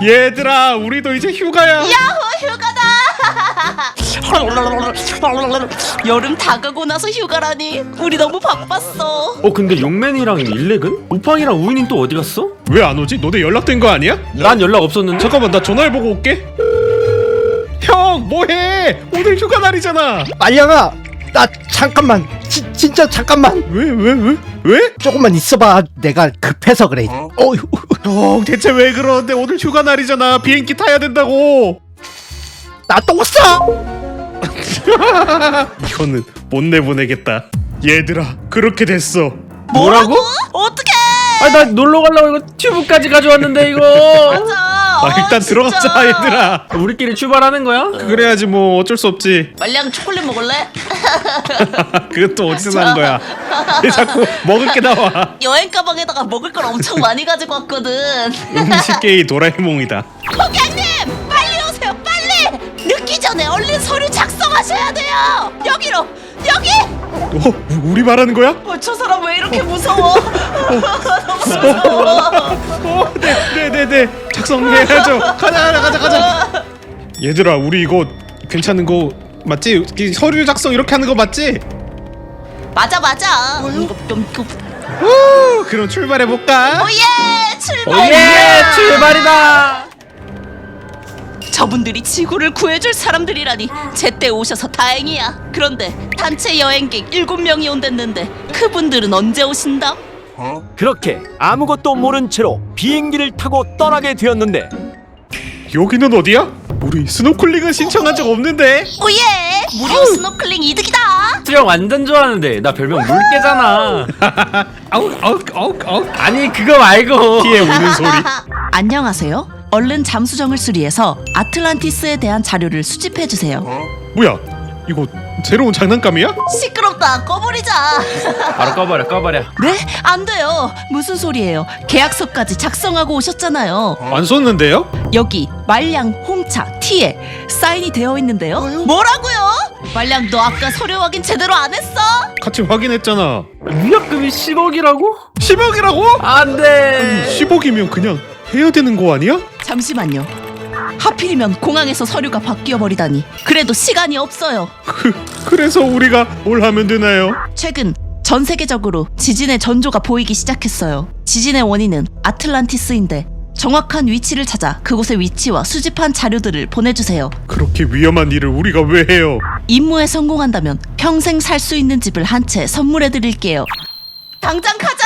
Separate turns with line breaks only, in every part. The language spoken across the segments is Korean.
얘들아, 우리도 이제 휴가야.
야호, 휴가다. 여름 다 가고 나서 휴가라니. 우리 너무 바빴어.
근데 용맨이랑 일렉은? 우팡이랑 우인이는 또 어디 갔어?
왜 안 오지? 너네 연락된 거 아니야?
난 연락 없었는데?
잠깐만, 나 전화해보고 올게. 형, 뭐해? 오늘 휴가 날이잖아.
말량아, 나 잠깐만, 진짜 잠깐만.
왜?
조금만 있어봐. 내가 급해서 그래.
형, 대체 왜 그러는데? 오늘 휴가 날이잖아. 비행기 타야 된다고.
나 또 싸.
이거는 못 내보내겠다. 얘들아, 그렇게 됐어.
뭐라고? 어떡해.
나 놀러 가려고 이거 튜브까지 가져왔는데 이거.
맞아.
일단 들어가자,
진짜.
얘들아.
우리끼리 출발하는 거야?
그래야지 뭐 어쩔 수 없지.
말량 초콜릿 먹을래?
그것도 어디서 난 거야? 왜 자꾸 먹을 게 나와?
여행 가방에다가 먹을 걸 엄청 많이 가지고 왔거든.
음식계의 도라에몽이다.
고객님, 빨리 오세요, 빨리. 늦기 전에 얼른 서류 작성하셔야 돼요. 여기로, 여기.
우리 말하는 거야?
저 사람 왜 이렇게 무서워? 너무 무서워.
네네네. 작성해야죠. 가자. 얘들아, 우리 이거 괜찮은 거 맞지? 이 서류 작성 이렇게 하는 거 맞지?
맞아.
그럼 출발해 볼까?
오예, 출발.
오예, 출발이다.
저분들이 지구를 구해줄 사람들이라니 제때 오셔서 다행이야. 그런데 단체 여행객 7명이 온댔는데 그분들은 언제 오신다?
그렇게 아무것도 모른 채로 비행기를 타고 떠나게 되었는데
여기는 어디야? 우리 스노클링은 신청한 적 없는데.
오예, 무료 스노클링 이득이다.
수영 완전 좋아하는데 나 별명 물개잖아.
아우.
아니 그거 말고.
피에 우는 소리.
안녕하세요. 얼른 잠수정을 수리해서 아틀란티스에 대한 자료를 수집해주세요.
뭐야? 이거 새로운 장난감이야?
시끄럽다, 꺼버리자.
바로 꺼버려.
네? 안 돼요. 무슨 소리예요? 계약서까지 작성하고 오셨잖아요.
안 썼는데요?
여기 말량, 홍차, 티에 사인이 되어 있는데요. 뭐라고요? 말량, 너 아까 서류 확인 제대로 안 했어?
같이 확인했잖아.
위약금이 10억이라고?
10억이라고?
안돼.
10억이면 그냥 해야 되는 거 아니야?
잠시만요. 하필이면 공항에서 서류가 바뀌어 버리다니. 그래도 시간이 없어요.
그래서 우리가 뭘 하면 되나요?
최근 전 세계적으로 지진의 전조가 보이기 시작했어요. 지진의 원인은 아틀란티스인데 정확한 위치를 찾아 그곳의 위치와 수집한 자료들을 보내주세요.
그렇게 위험한 일을 우리가 왜 해요?
임무에 성공한다면 평생 살 수 있는 집을 한 채 선물해드릴게요. 당장 가자!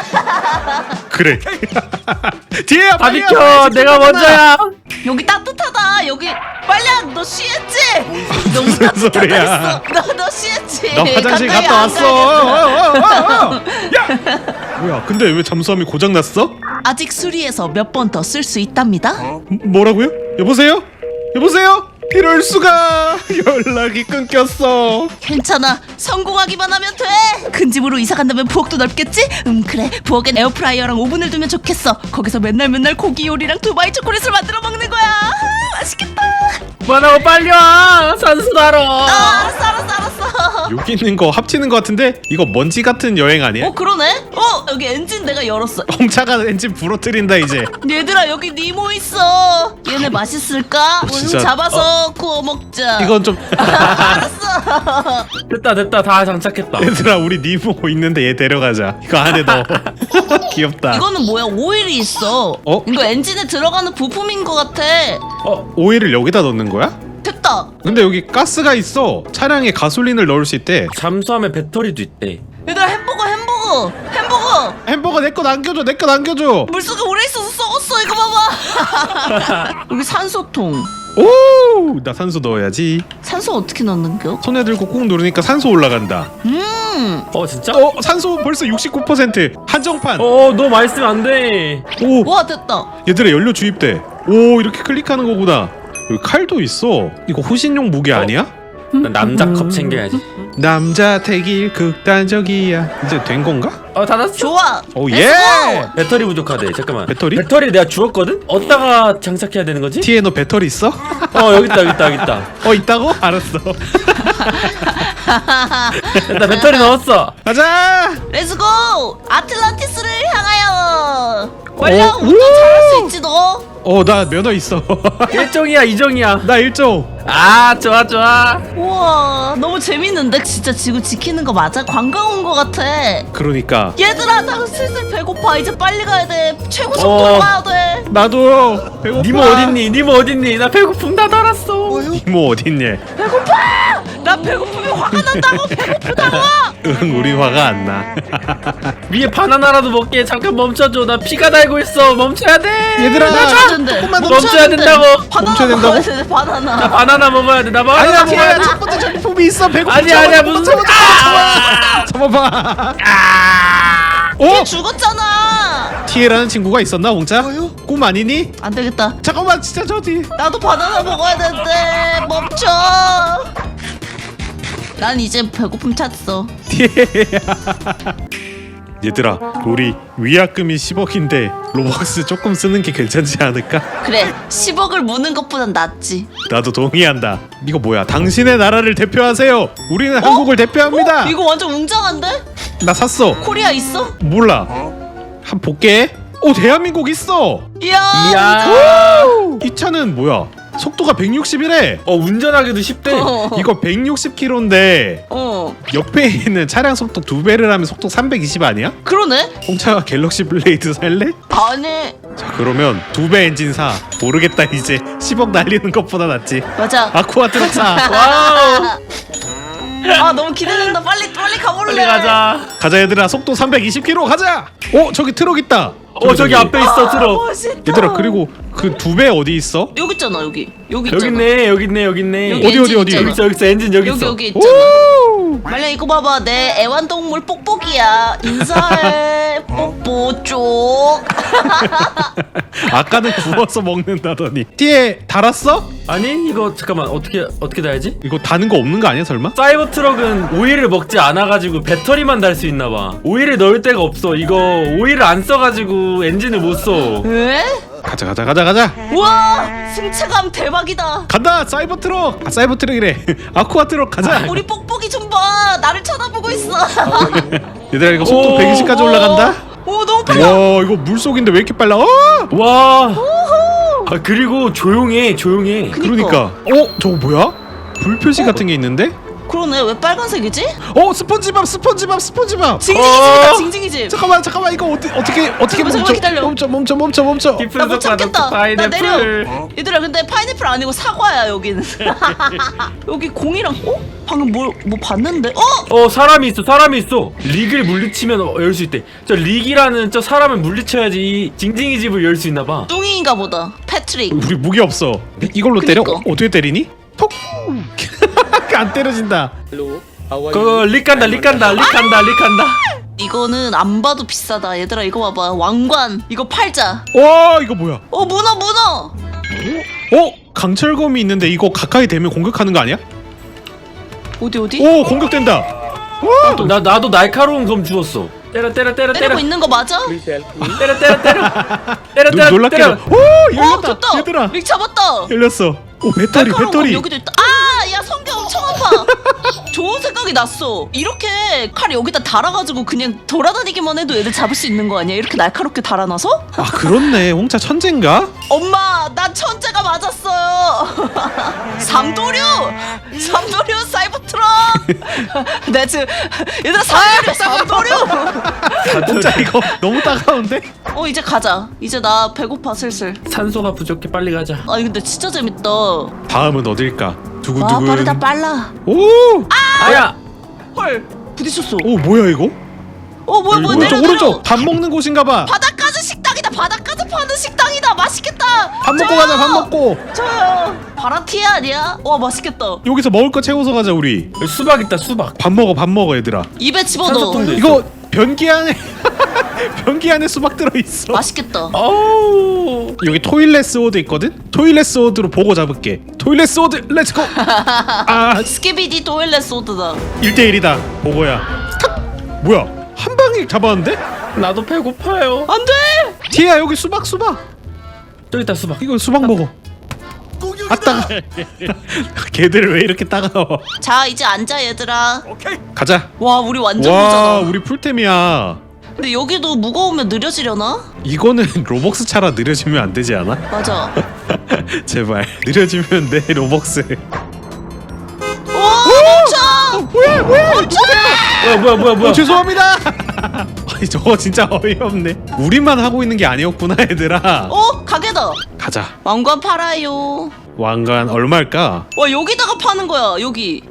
그래. 뒤에야,
다
빨리야,
비켜.
빨리
내가 먼저야.
여기 따뜻하다. 여기 빨량, 너 쉬했지? 너무
무슨 소리야?
따뜻하다. 너 쉬했지?
나 화장실
가까이
갔다
안
왔어.
가야겠어.
야! 뭐야? 근데 왜 잠수함이 고장 났어?
아직 수리해서 몇 번 더 쓸 수 있답니다.
뭐라고요? 여보세요? 이럴 수가. 연락이 끊겼어.
괜찮아. 성공하기만 하면 돼. 큰 집으로 이사 간다면 부엌도 넓겠지? 그래. 부엌엔 에어프라이어랑 오븐을 두면 좋겠어. 거기서 맨날 고기 요리랑 두바이 초콜릿을 만들어 먹는 거야. 맛있겠다.
뭐라고 빨리 와. 산수다러.
알았어.
여기 있는 거 합치는 거 같은데 이거 먼지 같은 여행 아니야?
그러네. 여기 엔진 내가 열었어.
홍차가 엔진 부러뜨린다 이제.
얘들아, 여기 니모 있어. 얘네 맛있을까?
진짜.
잡아서 구워 먹자.
이건 좀.
알았어.
됐다 다 장착했다.
얘들아, 우리 니모 있는데 얘 데려가자. 이거 안에 넣어. 귀엽다.
이거는 뭐야? 오일이 있어. 이거 엔진에 들어가는 부품인 것 같아.
오일을 여기다 넣는 거야?
됐다.
근데 여기 가스가 있어. 차량에 가솔린을 넣을 수 있대.
잠수함에 배터리도 있대.
얘들아, 햄버거.
내 거 남겨줘.
물속에 오래 있어서 썩었어. 이거 봐봐. 여기 산소통.
오, 나 산소 넣어야지.
산소 어떻게 넣는겨?
손에 들고 꾹 누르니까 산소 올라간다.
진짜?
산소 벌써 69%. 한정판.
너 많이 쓰면 안 돼.
오,
와, 됐다.
얘들아, 연료 주입돼. 오, 이렇게 클릭하는 거구나. 여기 칼도 있어. 이거 호신용 무기 아니야?
남자 컵 챙겨야지.
남자 태길 극단적이야. 이제 된 건가?
닫았어.
좋아.
오,
Let's
예.
go.
배터리 부족하대. 잠깐만.
배터리?
배터리 내가 주웠거든? 어디다가 장착해야 되는 거지?
티에 너 배터리 있어?
여기 있다.
있다고? 알았어.
나 배터리 넣었어.
가자.
렛츠고. 아틀란티스를 향하여. 빨리야 운전 잘할 수 있지 너.
나 면허 있어.
1종이야 2종이야.
나 1종.
아 좋아 좋아.
우와 너무 재밌는데? 진짜 지구 지키는 거 맞아? 관광 온 거 같아.
그러니까
얘들아 나 슬슬 배고파. 이제 빨리 가야 돼. 최고 속도로 가야 돼.
나도 배고파.
니모 어딨니? 니모 어딨니? 나 배고픔 다 달았어.
니모 어딨니?
배고파! 나 배고프면 화가 난다고. 배고프다고.
응, 우리 화가 안 나.
위에 바나나라도 먹게. 잠깐 멈춰줘. 나 피가 달고 있어. 멈춰야 돼.
얘들아,
멈춰야 된대.
멈춰야 된다고.
바나나
멈춰야 된다고?
먹어야 돼. 바나나.
나 바나나 먹어야 돼. 나 바나나
아니야,
먹어야
티에야
돼.
첫 번째 전리품이 있어. 배고파.
아니야 무슨
잡아봐.
얘 죽었잖아.
티에라는 친구가 있었나, 홍차? 꿈 아니니?
안 되겠다.
잠깐만, 진짜 저지.
나도 바나나 먹어야 되는데 멈춰. 난 이제 배고픔 찼어.
얘들아, 우리 위약금이 10억인데 로벅스 조금 쓰는 게 괜찮지 않을까?
그래 10억을 무는 것보단 낫지.
나도 동의한다. 이거 뭐야? 당신의 나라를 대표하세요. 우리는 한국을 대표합니다.
이거 완전 웅장한데?
나 샀어.
코리아 있어?
몰라. 한 볼게. 대한민국 있어.
이야.
이야.
이 차는 뭐야? 속도가 160이래.
운전하기도 쉽대.
이거 160km인데 옆에 있는 차량 속도 2배를 하면 속도 320 아니야?
그러네.
홍차가 갤럭시 블레이드 살래?
아니
자, 그러면 2배 엔진 사. 모르겠다 이제. 10억 날리는 것보다 낫지.
맞아.
아쿠아 트럭 사.
와우.
아 너무 기대된다. 빨리 가볼래.
빨리 가자.
가자 얘들아. 속도 320km 가자. 저기 트럭 있다.
저기 앞에 있어 트럭.
멋있다.
얘들아 그리고 그 2배 어디 있어?
여기 있잖아. 여기
여기
있잖아.
있네 여기 있네 여기 있네.
여기
어디,
엔진
어디?
있잖아.
여기 있어 엔진 여기 있어.
여기 있잖아. 말려 이거 봐봐. 내 애완동물 뽁뽁이야. 인사해. 뽁뽁 쪽.
아까는 구워서 먹는다더니. 뒤에 달았어?
아니 이거 잠깐만 어떻게 달지?
이거 다는 거 없는 거 아니야 설마?
사이버 트럭은 오일을 먹지 않아가지고 배터리만 달 수 있나봐. 오일을 넣을 데가 없어. 이거 오일을 안 써가지고 엔진을 못 써.
에?
가자.
우와 승차감 대박이다.
간다 사이버 트럭. 사이버 트럭이래. 아쿠아 트럭 가자.
우리 뽁뽁이 좀 봐. 나를 쳐다보고 있어.
얘들아 이거 속도
오,
120까지 올라간다.
오 너무 빨라.
와 이거 물속인데 왜 이렇게 빨라?
와. 그리고 조용해.
그러니까. 저거 뭐야? 불 표시 같은 게 있는데?
그러네. 왜 빨간색이지?
스펀지밥.
징징이집이다. 징징이집.
잠깐만 이거 어떻게
잠깐만, 기다려.
멈춰.
깊은
나 못
속 바다
참겠다. 나
파인애플.
내려. 얘들아 근데 파인애플 아니고 사과야 여기는. 여기 공이랑 방금 뭐 봤는데?
사람이 있어. 릭을 물리치면 열 수 있대. 저 릭이라는 저 사람을 물리쳐야지 이 징징이 집을 열 수 있나봐.
뚱이인가 보다. 패트릭.
우리 무기 없어. 이걸로 때려?
그니까.
어떻게 때리니? 톡. 안 때려진다.
그거 릭 간다.
이거는 안 봐도 비싸다. 얘들아 이거 봐봐. 왕관. 이거 팔자.
와 이거 뭐야?
문어.
강철검이 있는데 이거 가까이 대면 공격하는 거 아니야?
어디?
공격된다.
나도 날카로운 검 주웠어. 때려.
때리고 있는 거 맞아?
때려.
놀랍게. 열렸다.
됐다.
얘들아
릭 잡았다.
열렸어. 배터리.
날카로운 건 여기도 있다. 야 성격 엄청 아파. 좋은 생각이 났어. 이렇게 칼 여기다 달아가지고 그냥 돌아다니기만 해도 애들 잡을 수 있는 거 아니야? 이렇게 날카롭게 달아놔서?
그렇네. 홍차 천재인가?
엄마 난 천재가 맞았어요. 삼도류 사이버 트럭. 내 지금 얘들아 삼도류.
홍차 이거 너무 따가운데?
이제 가자. 이제 나 배고파 슬슬.
산소가 부족해. 빨리 가자.
근데 진짜 재밌다.
다음은 어딜까?
와
두근두근.
빠르다 빨라.
아야.
헐 부딪혔어.
뭐야 이거?
뭐야 내려.
오른쪽 밥 먹는 곳인가봐.
바닷가즈 식당이다. 바닷가즈 파는 식당이다. 맛있겠다.
밥 먹고 가자. 밥 먹고.
저요. 바라티에 아니야? 와 맛있겠다.
여기서 먹을 거 채워서 가자 우리.
여기 수박 있다. 수박.
밥 먹어 얘들아.
입에 집어넣어.
산소통도 있어.
이거 변기 안에 변기 안에 수박 들어 있어.
맛있겠다.
어우.
여기 토일렛 스워드 있거든? 토일렛 스워드로 보고 잡을게. 토일렛 스워드 렛츠고.
스키비디 토일렛 소드다.
1대1이다 보고야. 탁! 뭐야 한 방에 잡았는데?
나도 배고파요.
안돼.
티야 여기 수박
저기 있다 수박.
이거 수박 먹어. 따가. 걔들 왜 이렇게 따가워?
자 이제 앉아 얘들아.
가자.
와 우리 완전
와
부자다.
우리 풀템이야.
근데 여기도 무거우면 느려지려나?
이거는 로벅스 차라 느려지면 안 되지 않아?
맞아.
제발 느려지면 내 로벅스.
와 멈춰!
뭐야?
뭐야.
죄송합니다. 아니 저거 진짜 어이없네. 우리만 하고 있는 게 아니었구나 얘들아.
가게다.
가자.
왕관 팔아요.
왕관 얼마일까?
와 여기다가 파는 거야 여기.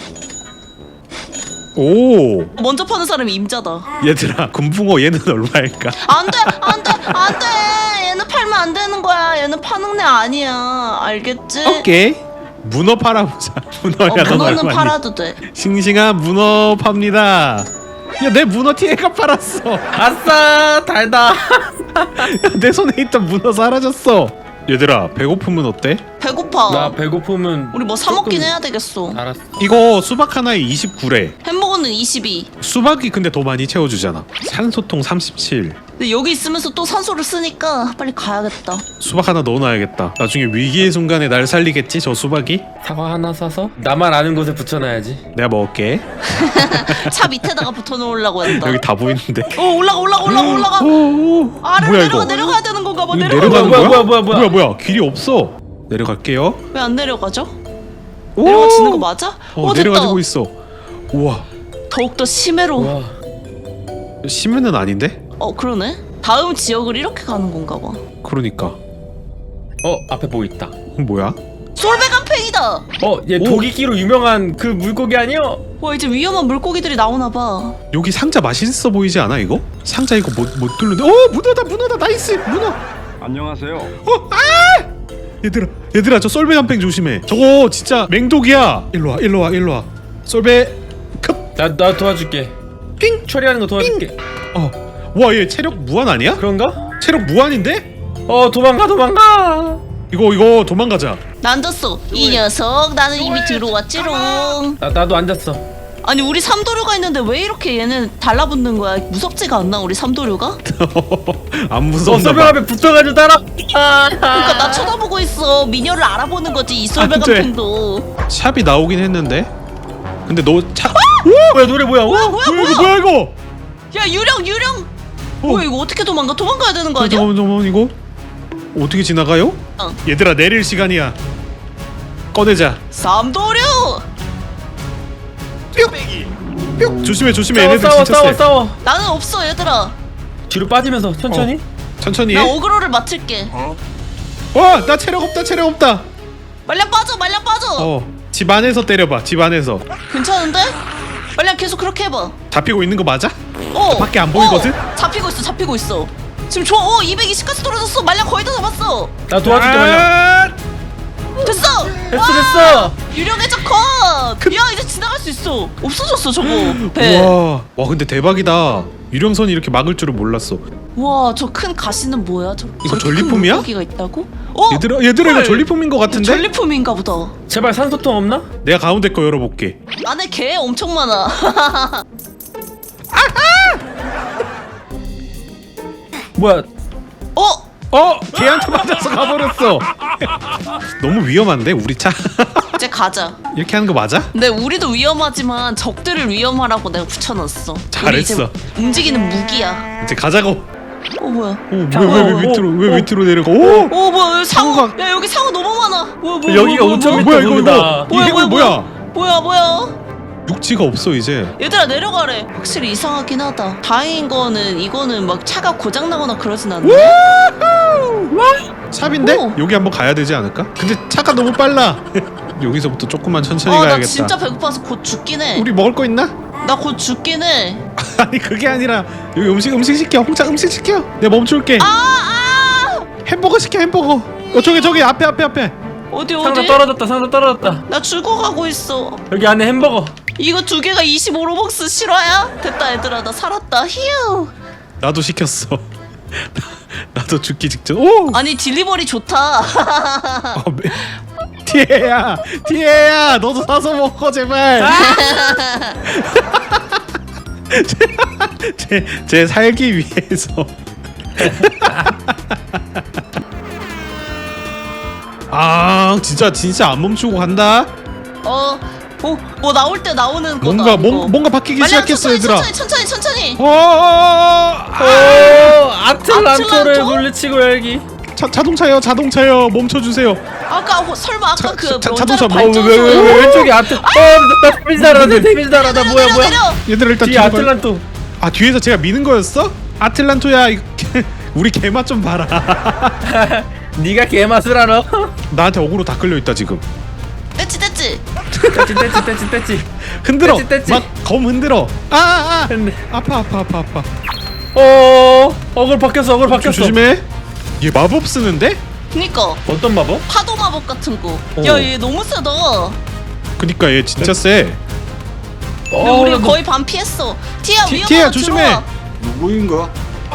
오
먼저 파는 사람이 임자다.
얘들아 금붕어 얘는 얼마일까?
안돼 얘는 팔면 안 되는 거야. 얘는 파는 애 아니야. 알겠지?
오케이. 문어 팔아보자. 문어야 넌
문어는
얼마니?
팔아도 돼.
싱싱한 문어 팝니다. 야 내 문어 티에가 팔았어.
아싸 달다.
야, 내 손에 있던 문어 사라졌어. 얘들아 배고프면 어때?
배고파.
나 배고프면
우리 뭐 사 먹긴
조금-
해야 되겠어.
알았어.
이거 수박 하나에 29래.
햄버거는 22.
수박이 근데 더 많이 채워주잖아. 산소통 37.
근데 여기 있으면서 또 산소를 쓰니까 빨리 가야겠다.
수박 하나 넣어놔야겠다. 나중에 위기의 순간에 날 살리겠지 저 수박이?
사과 하나 사서 나만 아는 곳에 붙여놔야지.
내가 먹을게.
차 밑에다가 붙어놓으려고 했다.
여기 다 보이는데.
올라가.
오,
아래로
뭐야
내려가
이거?
내려가야 되는 건가 봐.
이거
내려가.
내려가는 거야?
뭐야.
뭐야 길이 없어. 내려갈게요.
왜 안 내려가죠?
오!
내려가지는 거 맞아? 됐다.
내려가지고 있어. 우와
더욱더 심해로.
와.
심해는 아닌데?
그러네. 다음 지역을 이렇게 가는 건가 봐.
그러니까.
앞에 뭐 있다.
뭐야?
솔베간팽이다.
얘
오.
도끼끼로 유명한 그 물고기 아니여?
와 이제 위험한 물고기들이 나오나 봐.
여기 상자 맛있어 보이지 않아 이거? 상자 이거 못 뚫는데. 문어다 나이스 문어.
안녕하세요.
얘들아 저 썰배간팽 조심해. 저거 진짜 맹독이야. 일로 와. 썰배 급.
나 도와줄게.
삥.
처리하는 거 도와줄게.
와 얘 체력 무한 아니야?
그런가?
체력 무한인데?
도망가.
이거 도망가자.
나 앉았어. 이 녀석 나는 이미 들어왔지롱.
나도 앉았어.
아니 우리 삼도류가 있는데 왜 이렇게 얘는 달라붙는 거야? 무섭지가 않나 우리 삼도류가?
안 무섭나
썰배
봐.
앞에 붙어가지고 따라.
그러니까 나 쳐다보고 있어. 미녀를 알아보는 거지 이 솔베간팽도.
샵이 나오긴 했는데. 근데 너 차.
뭐야 노래 뭐야?
뭐야 이거?
야 유령. 뭐야 이거 어떻게 도망가야 되는 거 아니야?
잠깐만 이거 어떻게 지나가요? 얘들아 내릴 시간이야. 꺼내자.
삼도류.
뿅. 조심해 얘네들 진짜 세.
싸워.
나는 없어 얘들아.
뒤로 빠지면서 천천히.
천천히
나
해.
어그로를 맞출게.
나 체력 없다.
말량 빠져.
집 안에서 때려봐. 집 안에서.
괜찮은데? 말량 계속 그렇게 해봐.
잡히고 있는 거 맞아?
어.
밖에 안 보이거든?
잡히고 있어. 지금 220까지 떨어졌어. 말량 거의 다 잡았어.
나 도와줄게 말려.
됐어.
됐어.
유령의 컷. 야 이제 지나갈 수 있어. 없어졌어 저거 배.
와 근데 대박이다. 유령선이 이렇게 막을 줄은 몰랐어.
와 저 큰 가시는 뭐야?
이거 전리품이야?
기가 있다고?
얘들아 이거
헐.
전리품인 거 같은데?
전리품인가 보다.
제발 산소통 없나?
내가 가운데 거 열어볼게.
안에 개 엄청 많아.
뭐야?
걔한테 맞아서 가버렸어. 너무 위험한데 우리 차.
이제 가자.
이렇게 하는 거 맞아?
근데 우리도 위험하지만 적들을 위험하라고 내가 붙여놨어.
잘했어.
우리 이제 움직이는 무기야.
이제 가자고.
뭐야?
왜 밑으로 내려가? 오!
뭐야 여기 상어.
상어가-
야 여기 상어 너무 많아. 뭐야
여기가 5,000m
뭐야 이거
구르다.
이 해골 뭐야?
뭐야?
육지가 없어 이제.
얘들아 내려가래. 확실히 이상하긴 하다. 다행인 거는 이거는 막 차가 고장 나거나 그러진 않네.
샵인데?
오.
여기 한번 가야 되지 않을까? 근데 차가 너무 빨라. 여기서부터 조금만 천천히
나
가야겠다.
진짜 배고파서 곧 죽긴 해.
우리 먹을 거 있나?
나 곧 죽긴 해.
아니 그게 아니라 여기 음식 시켜. 홍차 음식 시켜. 내가 멈출게. 햄버거 시켜 햄버거. 저기 앞에.
어디
상자 떨어졌다.
나 죽어가고 있어.
여기 안에 햄버거.
이거 두 개가 25로벅스 실화야? 됐다 얘들아 나 살았다. 휴.
나도 시켰어. 나도 죽기 직전. 오!
아니 딜리버리 좋다.
티에야 너도 사서 먹어 제발. 제 살기 위해서. 진짜 안 멈추고 간다.
뭐 나올 때 나오는 거다.
뭔가
이거.
뭔가 바뀌기
말량
시작했어
천천히,
얘들아.
천천히.
오 아틀란토를
아틀란토?
물리치고 열기.
자동차요 멈춰주세요.
아까 설마 아까
자-
그
자-
원자력
자동차 뭐-
발전소
왜 왼쪽에 나 데미지 달아나 데미지 달아나 뭐야
얘들아 일단
뒤에
뒤로 가요.
아틀란토.
아 뒤에서 제가 미는 거였어? 아틀란토야 우리 개맛 좀 봐라.
네가 개맛을 알아.
나한테 어그로 다 끌려 있다 지금.
떼찌
떼치
흔들어.
떼치.
막 검 흔들어.
근데
아파.
어글 바뀌었어
조심해. 얘 마법 쓰는데?
그니까
어떤 마법?
파도 마법 같은 거.
오.
야 얘 너무 세다.
그니까 얘 진짜 세.
야, 우리 거의 반 피했어. 티야
티야,
위험하면
조심해.
들어와.
누구인가?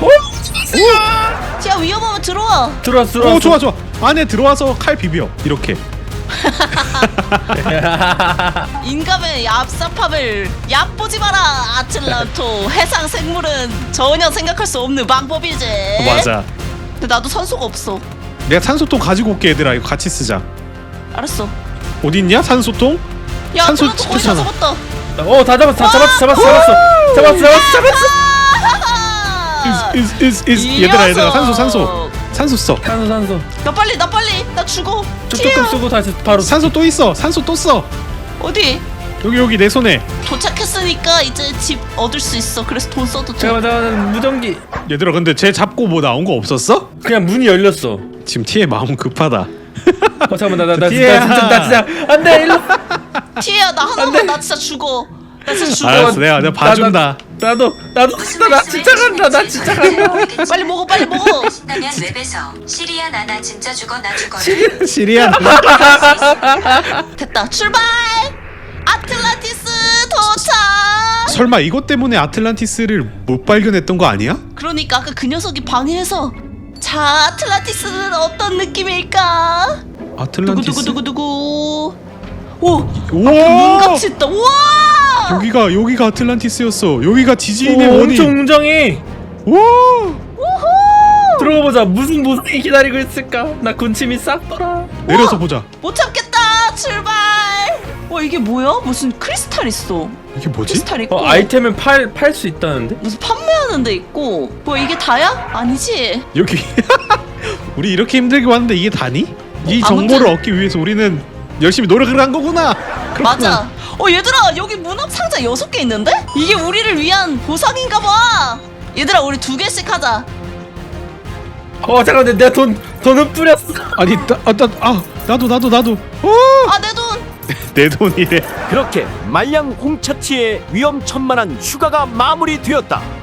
티야 위험하면 들어와.
들어왔어
오 좋아 안에 들어와서 칼 비벼 이렇게.
인감의 얍삽함을 얕보지 마라 아틀란토. 해상 생물은 전혀 생각할 수 없는 방법이지.
맞아.
근데 나도 산소가 없어.
내가 산소통 가지고 올게 얘들아. 이거 같이 쓰자.
알았어.
어디 있냐 산소통?
야
산소
아틀란토 거의 다
찍혔잖아.
잡았다.
다 잡았어
얘들아 산소 써.
산소
나 빨리 나 죽어.
조금
티야
쓰고 다시 바로
산소 또 있어. 산소 또 써.
어디?
여기 내 손에.
도착했으니까 이제 집 얻을 수 있어. 그래서 돈 써도 돼.
잠깐만 무전기.
얘들아 근데 쟤 잡고 뭐 나온 거 없었어?
그냥 문이 열렸어.
지금 티의 마음 급하다.
잠깐만 나
티야.
진짜 안돼 일로.
티야 나 하나만 나 진짜 죽어. 나 진짜 죽어.
알았어 내가 봐준다.
나도 나 진짜 간다 나 진짜 간다.
빨리 먹어 빨리 먹어.
신나면 웹에서 시리아 나나 진짜 죽어 나 죽어라.
시리안.
됐다 출발. 아틀란티스 도착.
설마 이것 때문에 아틀란티스를 못 발견했던 거 아니야?
그러니까 아까 그 녀석이 방해해서. 자 아틀란티스는 어떤 느낌일까?
아틀란티스.
두구두구두구두구. 오
우와.
눈같이 있다. 우와.
여기가 아틀란티스였어. 여기가 지진의 원인.
엄청 웅장해.
와.
들어가 보자. 무슨 보상이 기다리고 있을까? 나 군침이 싹 돌아.
내려서 보자.
못 참겠다. 출발. 와 이게 뭐야? 무슨 크리스탈 있어.
이게 뭐지?
크리스탈 있고.
아이템은 팔 수 있다는데?
무슨 판매하는 데 있고. 뭐 이게 다야? 아니지.
여기 우리 이렇게 힘들게 왔는데 이게 다니? 이
아무튼-
정보를 얻기 위해서 우리는 열심히 노력을 한 거구나. 그렇구나.
맞아. 얘들아 여기 문합 상자 6개 있는데? 이게 우리를 위한 보상인가 봐. 얘들아 우리 2개씩 하자.
잠깐만 내가 돈은 뿌렸어.
아니 나도.
아 내 돈.
내 돈이래.
그렇게 말량 홍차티의 위험천만한 휴가가 마무리되었다.